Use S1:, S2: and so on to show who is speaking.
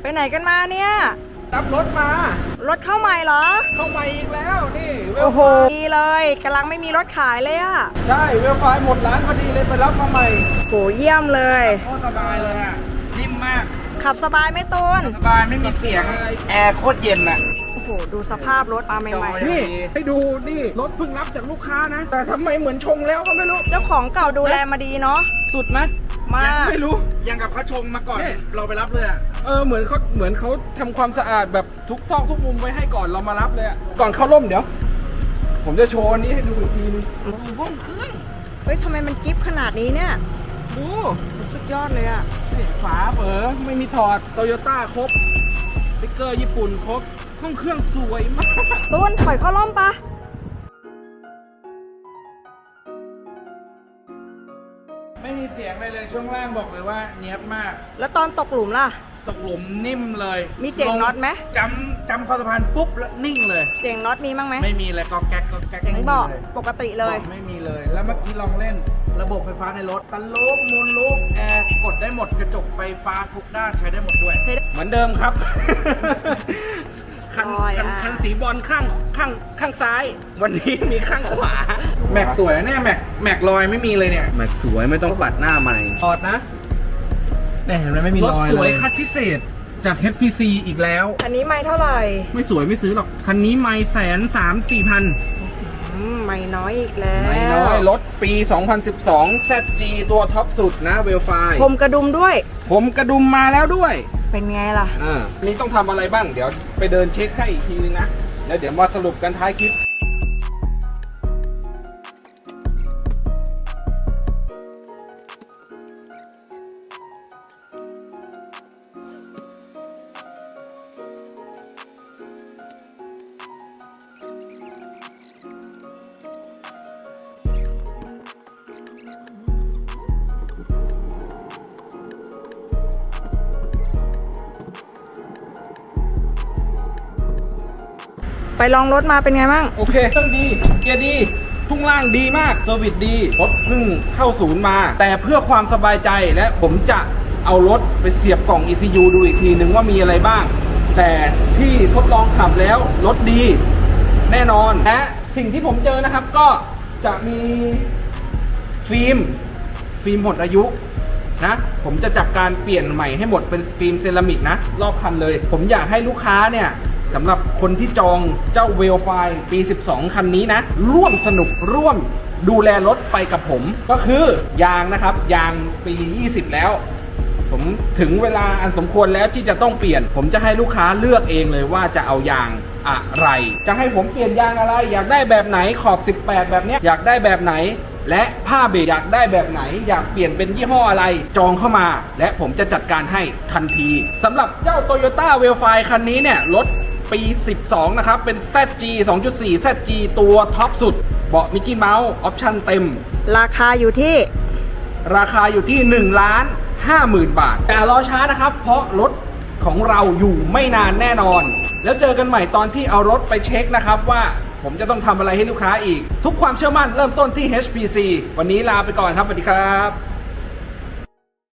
S1: ไปไหนกันมาเนี่ย
S2: รับรถมาร
S1: ถเข้าใหม่เหรอ
S2: เข้ามาอีกแล้วนี่
S1: โอ้โหดีเลยกำลังไม่มีรถขายเลยอะ
S2: ใช่เวลไฟหมดร้านพอดีเลยไปรับมาใหม่
S1: โหเยี่ยมเลย
S2: โคตรสบายเลยอะนิ่มมาก
S1: ขับสบายไหมตูน
S2: สบายไม่มีเสียงแอร์โคตรเย็นอะ
S1: โอ้โหดูสภาพรถมาใหม่
S2: ๆนี่ให้ดูนี่รถเพิ่งรับจากลูกค้านะแต่ทำไมเหมือนชงแล้วก็ไม่รู้
S1: เจ้าของเก่าดูแลมาดีเนาะ
S2: สุดไหม
S1: มาก
S2: ไม่รู้ยังกับเขาชงมาก่อนเราไปรับเลยอะเหมือนเขาทำความสะอาดแบบทุกซอกทุกมุมไว้ให้ก่อนเรามารับเลยอะก่อนเข้าร่มเดี๋ยวผมจะโชว์นี้ให้ดูอีกทีนึงห้องเครื่อง
S1: เฮ้ยทำไมมันกิ๊บขนาดนี้เนี่ย
S2: ดู
S1: สุดยอดเลยอะ
S2: ฝาเปิดไม่มีถอดโตโยต้าครบสติ๊กเกอร์ญี่ปุ่นครบห้องเครื่องสวยมาก
S1: ตูนถอยเข้าร่มปะ
S2: ไม่มีเสียงเลยช่วงล่างบอกเลยว่าเนียบมาก
S1: แล้วตอนตกหลุมล่ะ
S2: ตกหลุมนิ่มเลย
S1: มีเสียงน็อตไหม
S2: จำคอสะพานปุ๊บแล้วนิ่งเลย
S1: เสียงน็อตมีบ้างไหม
S2: ไม่มีเลยก็แก๊ก
S1: เสียงเบาะปกติเลย
S2: ไม่มีเลยแล้วเมื่อกี้ลองเล่นระบบไฟฟ้าในรถซันรูฟมูนรูฟแอร์กดได้หมดกระจกไฟฟ้าทุกด้านใช้ได้หมดด้วยเหมือนเดิมครับคันสีบอลข้างซ้ายวันนี้มีข้างขวาแม็กสวยเนี่ยแม็กรอยไม่มีเลยเนี่ยแม็กสวยไม่ต้องปัดหน้าใหม่ถอดนะเนี่ยเห็นไหมไม่มีรอยรถสวยคัดพิเศษจาก HPC อีกแล้ว
S1: คันนี้ไม่เท่าไหร่
S2: ไม่สวยไม่ซื้อหรอกคันนี้ไม่130,000
S1: ไม่น้อยอีกแล้ว
S2: ไม่น้อยรถปี 2012 ZG ตัวท็อปสุดนะเวลไฟ
S1: ผมกระดุมด้วย
S2: ผมกระดุมมาแล้วด้วย
S1: เป็นไงล่ะ
S2: นี่ต้องทำอะไรบ้างเดี๋ยวไปเดินเช็คให้อีกทีนึงนะแล้วเดี๋ยวมาสรุปกันท้ายคลิป
S1: ไปลองรถมาเป็นไงบ้าง
S2: โอเคเครื่องดีเกียร์ดีทุ่งล่างดีมากเซอร์วิสดีรถเพิ่งเข้าศูนย์มาแต่เพื่อความสบายใจและผมจะเอารถไปเสียบกล่อง ECU ดูอีกทีนึงว่ามีอะไรบ้างแต่ที่ทดลองขับแล้วรถดีแน่นอนและสิ่งที่ผมเจอนะครับก็จะมีฟิล์มหมดอายุนะผมจะจับการเปลี่ยนใหม่ให้หมดเป็นฟิล์มเซรามิกนะรอบคันเลยผมอยากให้ลูกค้าเนี่ยสำหรับคนที่จองเจ้าเวลไฟปี 12 คันนี้นะร่วมสนุกร่วมดูแลรถไปกับผมก็คือยางนะครับยางปี 20 แล้วถึงเวลาอันสมควรแล้วที่จะต้องเปลี่ยนผมจะให้ลูกค้าเลือกเองเลยว่าจะเอายางอะไรจะให้ผมเปลี่ยนยางอะไรอยากได้แบบไหนขอบ 18 แบบนี้อยากได้แบบไหนและผ้าเบรกอยากได้แบบไหนอยากเปลี่ยนเป็นยี่ห้ออะไรจองเข้ามาและผมจะจัดการให้ทันทีสำหรับเจ้า Toyota Wellfly คันนี้เนี่ยรถปี 12 นะครับเป็น ZG 2.4 ZG ตัวท็อปสุดเบาะมิกกี้เมาส์ออปชั่นเต็ม
S1: ราคาอยู่ที่
S2: 1,50,000 บาทแต่รอช้านะครับเพราะรถของเราอยู่ไม่นานแน่นอนแล้วเจอกันใหม่ตอนที่เอารถไปเช็คนะครับว่าผมจะต้องทำอะไรให้ลูกค้าอีกทุกความเชื่อมั่นเริ่มต้นที่ HPC วันนี้ลาไปก่อนครับสวัสดีครับ